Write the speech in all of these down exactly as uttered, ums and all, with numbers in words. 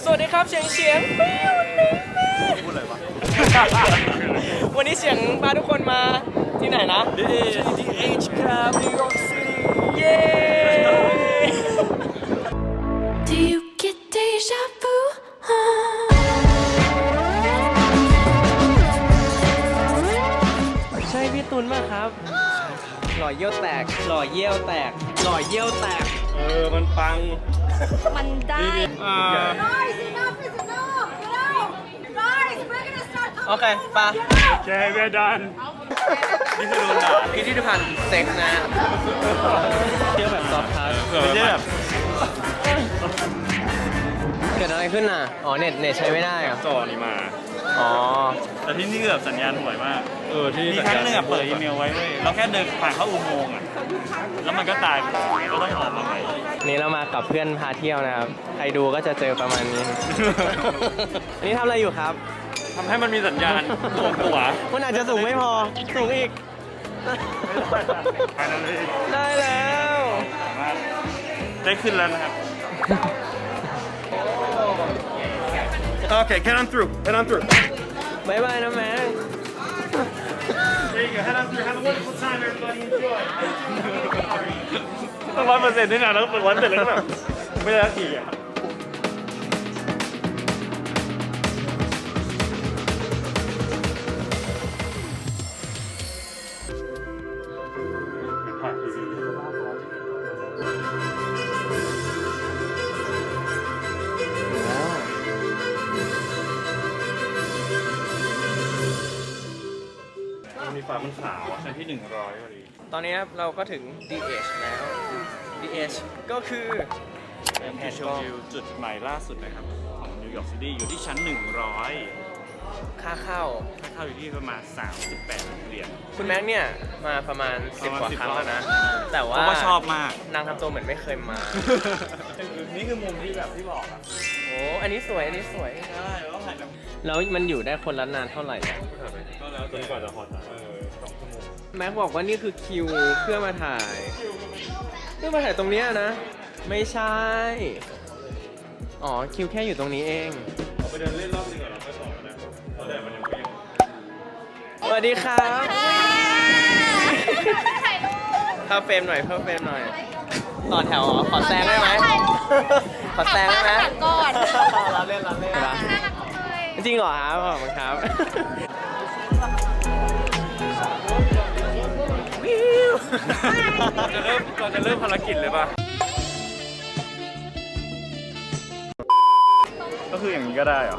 สวัสดีครับเฉียงเฉียงวันนี้พูดอะไรวะวันนี้เฉียงพาทุกคนมาที่ไหนนะ ดี เอช ครับ New York City เย้ Do you get deja vu? ใช่พี่ตุลมากครับหล่อเยี่ยวแตกหล่อเยี่ยวแตกหล่อเยี่ยวแตกเออมันปังมันได้อ่า Guys, enough is enough, you know? Guys, we're gonna start โอเคปะแกเวดันนี่คือโดนด่าพิพิธภัณฑ์เซ็กนะเที่ยวแบบซอฟต์ทัชไม่ใช่แบบเกิดอะไรขึ้นน่ะอ๋อเน็ตเน็ตใช้ไม่ได้เหรอจอนี่มาอ๋อแต่ที่นี่คือแบบสัญญาณห่วยมากเออที่มีครั้งหนึงอ่ะเปิดอีเมลไว้เว้ยเราแค่เดินผ่านเข้าอุโมงค์อ่ะแล้วมันก็ตายไปก็ต้องออกมาใหม่นี่เรามากับเพื่อนพาเที่ยวนะครับใครดูก็จะเจอประมาณนี้ อันนี้ทำอะไรอยู่ครับทำให้มันมีสัญญาณตัวตัวมันอาจจะสูงไม่พอสูงอีกภายในเลยได้แล้วสามารถได้ขึ้นแล้วนะครับ Okay, head on through. Head on through. บ๊ายบายนะแม่ There you go. Head on through. Have a wonderful time, everybody. Enjoy. ต้องร้อยเปอร์เซ็นต์ด้วยนะแล้วเปิดวันเสร็จแล้วก็แบบไม่ได้สักทีอ่ะมีฝามันขาวอ่ะชั้นที่หนึ่งร้อยพอดีตอนนี้ครับเราก็ถึง ดี เอช แล้ว ดี เอช ก็คือเป็นที่ชมวิวจุดใหม่ล่าสุดนะครับของนิวยอร์กซิตี้อยู่ที่ชั้นหนึ่งร้อยค่าเข้าค่าเข้าอยู่ที่ประมาณสามสิบแปดเหรียญคุณแม็กเนี่ยมาประมาณสิบประกมาว่าณสิบครั้งแล้วนะ แต่เพว่าราะว่าชอบมากนางทำตัวเหมือนไม่เคยมานี่คือมุมที่แบบที่บอกอ่ะโอ้อันนี้สวย อันนี้สวยใช่แล้วถ่ายแบบแล้วมันอยู่ได้คนละนานเท่าไหร่อะก็แล้วจนกว่าจะฮอตอ่ะเออสองชั่วโมงแม็กบอกว่านี่คือคิวเพื่อมาถ่าย เพื่อมาถ่ายตรงเนี้ยนะ ไม่ใช่ อ๋อคิวแค่อยู่ตรงนี้เองเราไปเดินเล่นรอบนึงก่อนเราค่อยต่อกันนะเพราะแดดมันยังไม่ยังสวัสดีครับเข้าเฟรมหน่อยเข้าเฟรมหน่อย ต่อแถวเหรอขอแซงได้ไหมขอแซงได้ไหมก่อนเราเล่นเราเล่นจริงเหรอครับขอบคุณครับจะเริ่มเราจะเริ่มภารกิจเลยป่ะก็คืออย่างนี้ก็ได้เหรอ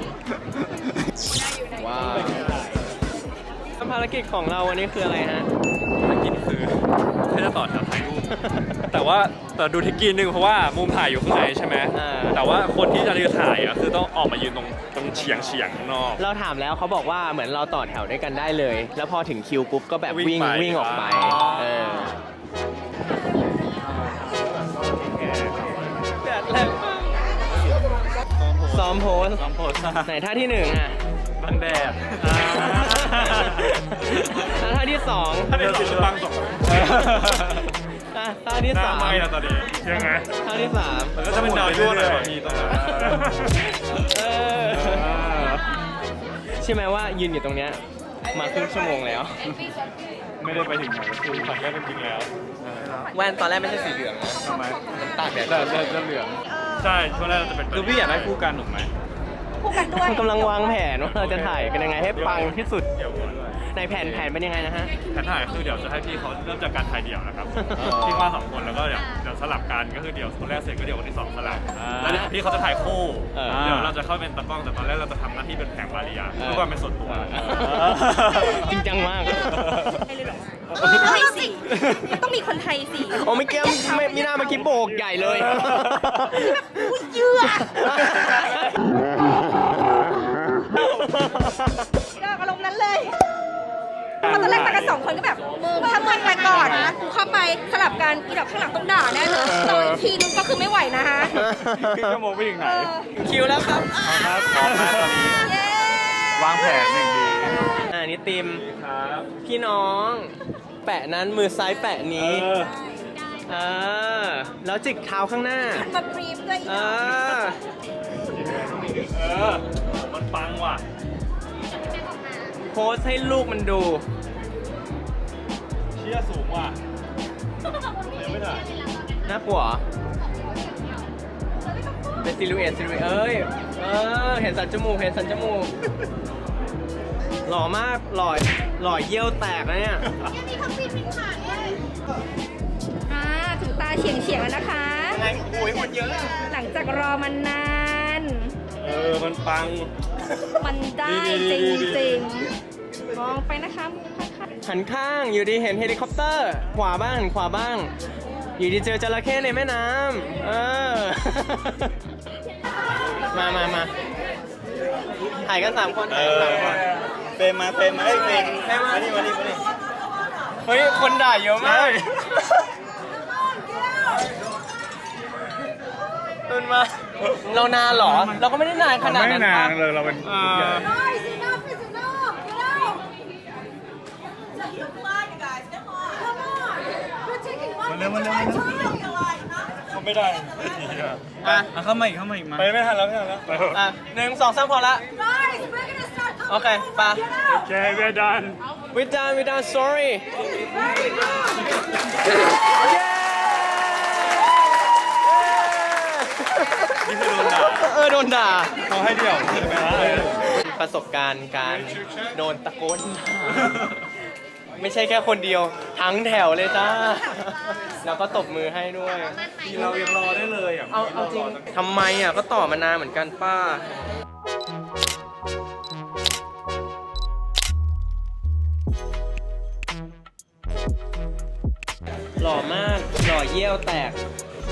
ว้าวภารกิจของเราวันนี้คืออะไรฮะภารกิจคือแค่จะต่อแถวถ่ายรูปแต่ว่าแต่ดูทิกกี้นึงเพราะว่ามุมถ่ายอยู่ข้างในใช่ไหมอ่าแต่ว่าคนที่จะถ่ายอ่ะคือต้องออกมายืนตรงตรงเฉียงเฉียงข้างนอกเราถามแล้วเขาบอกว่าเหมือนเราต่อแถวด้วยกันได้เลย แล้วพอถึงคิวปุ๊บก็แบบวิ่วิ่งงไปวิ่งออกไปอ๋อเออแดดแรงมากซ้อมโพสซ้อมโพสไหนท่าที่หนึ่งอ่ะบังแดดแล้วท่าที่สองถ้าเป็นสีบังสองอ่ะท่าที่หน้าสามไหม้แล้วตอนนี้ยังไงท่าที่สามมันก็จะเป็นดาวยั่วหน่อยบางทีตรงนั้นเออใช่ไหมว่ายืนอยู่ตรงเนี้ยมาครึ่งชั่วโมงแล้วไม่ได้ไปถึงไหนคือขัดแยกเป็นจริงแล้วแว่นตอนแรกไม่ใช่สีเหลืองนะทำไมมันตากแดดจะจะจะเหลืองใช่ช่วงแรกเราจะเป็นคือพี่อยากได้คู่กันถูกไหมคู่กันด้วยกำลังวางแผนว่าเราจะถ่ายกันยังไงให้ปังที่สุดเดี๋ยวก่อนด้วยในแผนแผนเป็นยังไงนะฮะแผนถ่ายคือเดี๋ยวจะให้พี่เขาเริ่มจากการถ่ายเดี่ยวนะครับพี่ว่าสองคนแล้วก็เดี๋ยวเดี๋ยวสลับกันก็คือเดี๋ยวคนแรกเสร็จก็เดี๋ยวคนที่สองสลับแล้วเดี๋ยวพี่เขาจะถ่ายคู่เออเดี๋ยวเราจะเข้าเป็นตากล้องแต่ตอนแรกเราจะทำหน้าที่เป็นแผงวาริยาเพื่อความเป็นส่วนตัวจริงจังมากไทยสิต้องมีคนไทยสิโอ้ไม่เกี้ยไม่มีหน้าเมื่อกี้โบกใหญ่เลยเยื่ออารมณ์นั้นเลยตอนแรกไปกันสองคนก็แบบมึงถ้ามึงไปก่อนนะกูเข้าไปสลับกันอีดอกข้างหลังต้องด่าแน่เลยต่ออีกทีนึงก็คือไม่ไหวนะฮะครึ่งชั่วโมงไปถึงไหนคิวแล้วครับครับพร้อมนะตอนนี้เย้วางแผนอย่างดีอ่านี่ติมครับพี่น้อง แปะนั้นมือซ้ายแปะนี้เออเออแล้วจิกเท้าข้างหน้ามาบรีฟด้วยอีเอดอกอเออมันปังว่ะโพสให้ลูกมันดูเชี่ยสูงว่ะยังไม่ถ่ายน่ากลัวเหรอเป็นซิลูเอตซิลูเอตเอ้ย เออ เห็นสันจมูก เห็นสันจมูก หล่อมาก หล่อ หล่อเยี่ยวแตกนะเนี่ยอ่าถึงตาเฉียงเฉียงๆแล้วนะคะไงโอ้ยคนเยอะหลังจากรอมันนานเออ มันปังมันได้จริงๆ มองไปนะคะมุมข้างหันข้างอยู่ดีเห็นเฮลิคอปเตอร์ ขวาบ้างหันขวาบ้าง อยู่ดีเจอจระเข้ในแม่น้ำเออ มามามาถ่ายกันสามคนถ่ายกันสามคนเฟรมมาเฟรมมาเอ้ยเฟรมเฟรมมามานี่มานี่มานี่เฮ้ย คนด่าเยอะมากตุนมา เรานานเหรอ เราก็ไม่ได้นานขนาดนั้นไม่นานปะเลยเราเป็นอ่ามาเร็วมาเร็วมาเร็วเขาไม่ได้อ่ะอ่ะเข้ามาอีกเข้ามาอีกมาไปไม่ทันแล้วไม่ทันแล้วอ่ะหนึ่งสองสามพอละ โอเคไปะโอเคเวียดัน we done we done sorry นี่คือโดนด่าเออโดนด่าเขาให้เดี่ยวใช่ไหมฮะประสบการณ์การโดนตะโกนด่าไม่ใช่แค่คนเดียวทั้งแถวเลยจ้า แล้วก็ตบมือให้ด้วยเรายังรอได้เลยอ่ะเอาเอาจริงทำไมอ่ะก็ต่อมานานเหมือนกันป้า หล่อมาก หล่อเยี่ยวแตก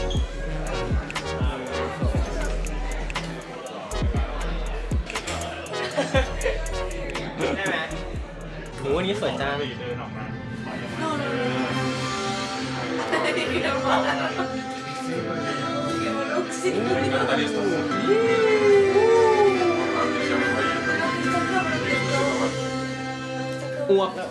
ได้ไหมโหอันนี้สวยจังเดินออกมาอ้วกแล้ว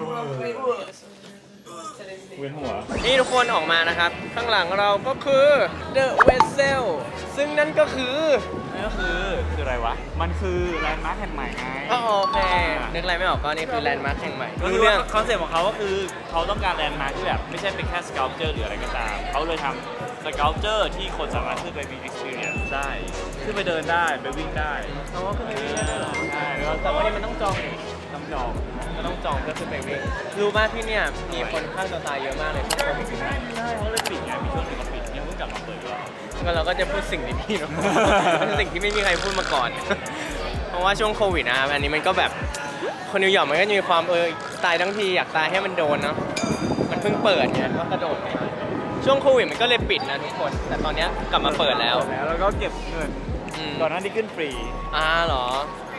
เวียนหัวนี่ทุกคนออกมานะครับ ข้างหลังเราก็คือ The Vessel ซึ่งนั่นก็คือนั่นก็คือคืออะไรวะ มันคือแลนด์มาร์คแห่งใหม่ไงอ๋อโอเค นึกอะไรไม่ออกก็นี่คือแลนด์มาร์คแห่งใหม่ก็รู้คือเรื่ว่าองคอนเซ็ปต์ของเขาก็คือเขาต้องการแลนด์มาร์คที่แบบไม่ใช่เป็นแค่สเกลเจอร์หรืออะไรก็ตาม เขาเลยทำสเกลเจอร์ที่คนสามารถขึ้นไปมี experience ได้ ขึ้นไปเดินได้ ไปวิ่งได้อ๋อคือไปวิ่งได้ด้วยเหรอใช่แล้วก็แต่ว่านี่มันต้องจองนี่ต้องจองก็ต้องจองเพื่อขึ้นไปวิ่ง รู้ป่ะที่เนี่ยมีคนฆ่าตัวตายเยอะมากเลยพวกโควิดใช่เขาเลยปิดไง มีช่วงหนึงเขาปิดยังเพิ่งกลับมาเปิดแล้วก็เราก็จะพูดสิ่งดีๆเนาะ สิ่งที่ไม่มีใครพูดมาก่อน เพราะว่าช่วงโควิดนะครับอันนี้มันก็แบบคนนิวยอร์กมันก็จะมีความเออตายทั้งทีอยากตายให้มันโดนเนาะ มันเพิ่งเปิดไงก็กระโดดไปช่วงโควิดมันก็เลยปิดนะทุกคน แต่ตอนเนี้ยกลับมาเปิดแล้วแล้วแล้วก็เก็บเงินอืมก่อนหน้านี้ขึ้นฟรีอ่าเหรอ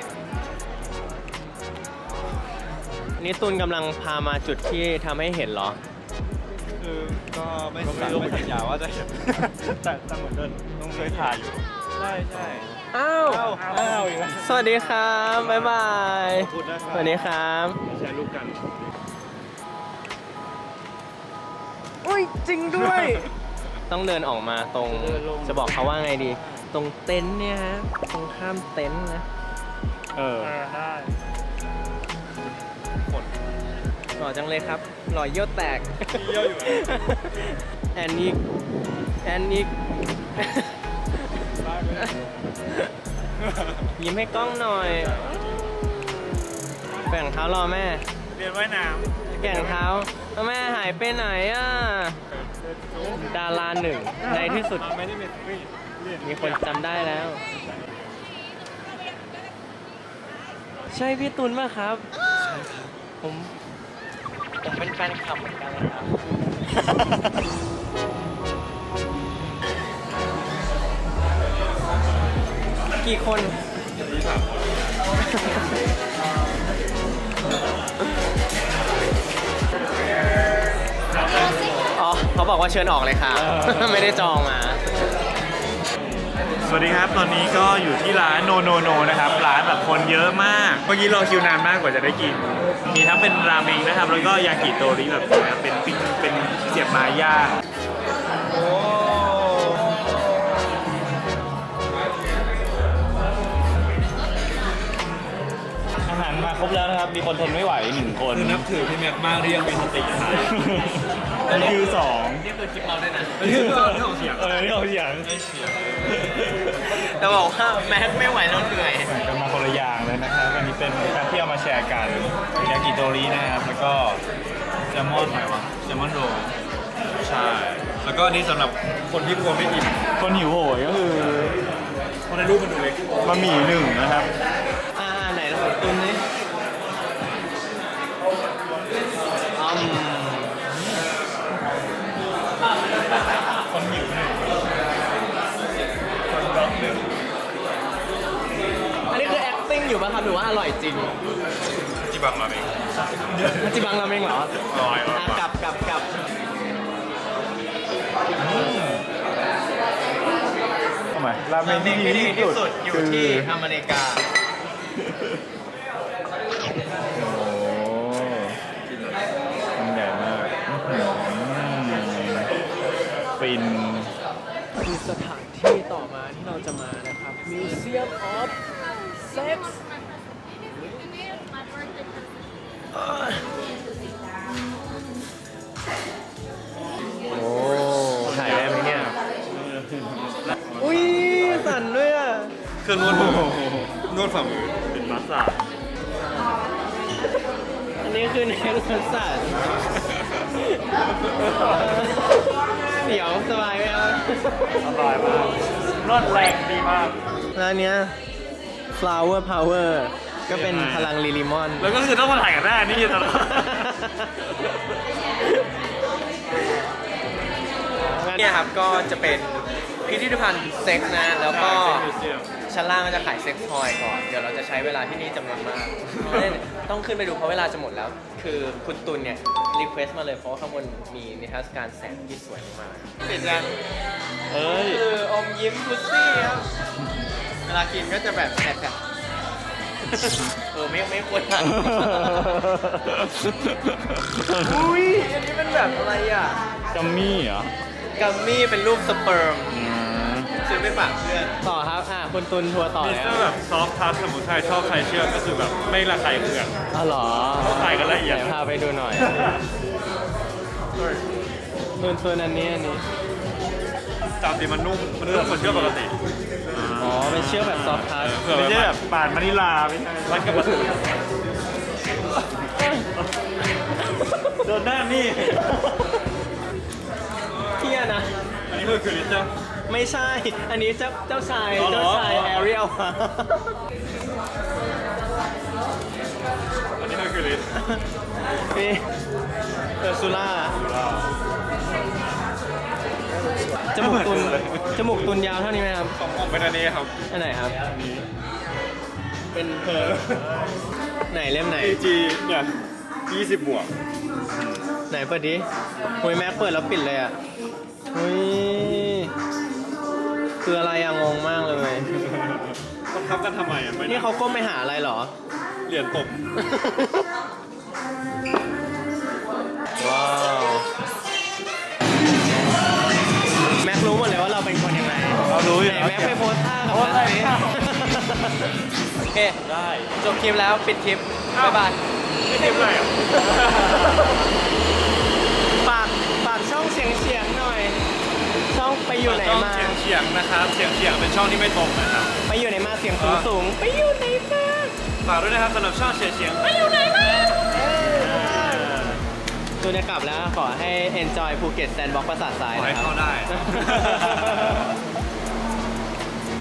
นี่ตุนกำลังพามาจุดที่ทำให้เห็นเหรอคือก็ไม่ก็ไม่รู้ไม่สัญญาว่าจะเห็น แต่แต่เหมือนเดินต้องเคยถ่ายอยู่ ใช่ใช่อ้าวอ้าวอ้าวอีกแล้วสวัสดีครับ บ๊ายบายขอบคุณนะครับสวัสดีครับแชร์รูปกันอุ้ยจริงด้วย ต้องเดินออกมาตรงเดินลงจะบอกเขาว่าไงดี ตรงเต็นท์เนี่ยฮะ ตรงข้ามเต็นท์นะเออได้หล่อจังเลยครับ หล่อเยี่ยวแตกเยี่ยวอยู่แอนนิกแอนนิก ยิ้มให้กล้องหน่อย แบ่งเท้ารอแม่เรียนว่ายน้แก่งเท้าแม่หายไปไหนอ่ะ ดาราหนึ่งำในที่สุดไม่ได้เป็นฟรีเรียนมีคนจำได้แล้ว ใช่พี่ตุลป่ะครับ ผม ผมเป็นแฟนคลับเหมือนกันนะครับ กี่คน อ๋อ เขาบอกว่าเชิญออกเลยค่ะ ไม่ได้จองมาสวัสดีครับ ตอนนี้ก็อยู่ที่ร้านโนโนโนนะครับ ร้านแบบคนเยอะมาก เมื่อกี้รอคิวนานมากกว่าจะได้กิน มีทั้งเป็นราเมงนะครับ แล้วก็ยากิโตริแบบเป็นปิ้งเป็นเสียบไม้ย่างโอ้ครบแล้วนะครับ มีคนทนไม่ไหวหนึ่งคนคือนับถือพี่แม็กมากที่ยังมีสติไทยอันนี้คือสองนี่คือคลิปเราด้วยนะอันนี้คือเรื่องของเสียงเออนี่เอาเสียงแต่บอกว่าแม็กไม่ไหวแล้วเหนื่อยกันมาคนละอย่างเลยนะครับ อันนี้เป็นการที่เอามาแชร์กันยากิโตรินะครับ แล้วก็แซลมอนอะไรวะแซลมอนโรลใช่ แล้วก็อันนี้สำหรับคนที่กลัวไม่อิ่มคนหิวโหยก็คือเพราะในรูปมันดูเล็กบะหมี่หนึ่งนะครับอ่าไหนเราตุนนี่อืมคนหิวหนึ่งคนร้องหนึ่งอันนี้คือ acting อยู่ป่ะครับหรือว่าอร่อยจริงจิบังมาเองมันจิบังราเมงเหรออร่อยอร่อยอ่ะกลับกลับกลับทำไมราเมงที่ดีที่สุดอยู่คือที่อเมริกาโอ้มันใหญ่มากอื้อหือฟินคือสถานที่ต่อมาที่เราจะมานะครับ Museum of Sex โอ้ถ่ายได้ไหมเนี่ย อุ้ยสั่นด้วยอ่ะเครื่องนวดมือนวดฝ่ามือเป็นมัสซาจอันนี้คือเนรสัสันเดี๋ยวสบายไหมครับอร่อยมากนวดแรงดีมากแล้วเนี้ย flower power ก็เป็นพลังลิลิมอนแล้วก็คือต้องมาถ่ายกันหน้านี่ตลอดเนี่ยครับก็จะเป็นพิพิธภัณฑ์เซ็กซ์นะ แล้วก็ชั้นล่างก็จะขายเซ็กซ์ทอยก่อน เดี๋ยวเราจะใช้เวลาที่นี่จำนวนมากต้องขึ้นไปดูเพราะเวลาจะหมดแล้ว คือคุณตุลเนี่ยรีเควสต์มาเลยเพราะว่าข้างบนมีนิทรรศการแสงที่สวยมากเสร็จยังเอ้ยคืออมยิ้มพุซซี่ครับ เวลากินก็จะแบบแผลบๆเออไม่ไม่ควรทานอุ้ยอันนี้เป็นแบบอะไรอ่ะกัมมี่เหรอกัมมี่เป็นรูปสเปิร์มอืมซื้อไปฝากเพื่อน ต่อครับ อ่ะคุณตุนทัวร์ต่อมีแล้เสื้วอแบบซอฟต์ทัชสมุนไพรชอบใครเชื่อก็คือแบบไม่ระคายเคืองอ๋อเหรอขายกันละเอียดไหนพาไปดูหน่อยตุนตุนอันนี้อันนี้ตามที่มันนุ่ม มันนุ่มเหมือนเชือกปกติอ๋อ เป็นเชือกแบบซอฟต์ทัชเผื่อไม่แบบใช่แบบปาดมานิลาไม่ใช่มันกับมันโดนหน้านี่เที่ยนะอันนี้คือคือลิตเติ้ลไม่ใช่ อันนี้เจ้าเจ้าชายอ๋อเหรอเจ้าชายแอเรียลอันนี้คือคือลิตนี่เออร์ซูล่า จมูกตุน จมูกตุนยาวเท่านี้ไหมครับของผมเป็นอันนี้ครับอันไหนครับ เป็นเพอร์ไหนเล่มไหนเอ จี เนี่ยยี่สิบบวกไหนเปิดดิหุยแม็กเปิดแล้วปิดเลยอ่ะหุยคืออะไรอะงงมากเลยต้องทับกันทำไมอ่ะไม่นี่เขาก้มไปหาอะไรเหรอเหรียญตบว้าว แม็กรู้หมดเลยว่าเราเป็นคนยังไงเรารู้อยู่ไหนแล้วแม็กไปโพสท่ากับมันสิโอเคได้จบคลิปแล้วปิดคลิป บ๊ายบายไม่ทิมเลยอ่ะฝากฝากช่องเสียงเสียงหน่อย ช่องไปอยู่ไหนช่องมาเฉียงเฉียงๆนะครับ เฉียงเฉียงๆเป็นช่องที่ไม่ตรงนะครับไปอยู่ไหนมาเสียงสูงสูงๆไปอยู่ไหนมาฝากด้วยนะครับสำหรับช่องเฉียงเฉียงๆตัวจะกลับแล้วขอให้ enjoy ภูเก็ตแซนด์บ็อกซ์ประสาททรายขอให้นะครับเข้าได้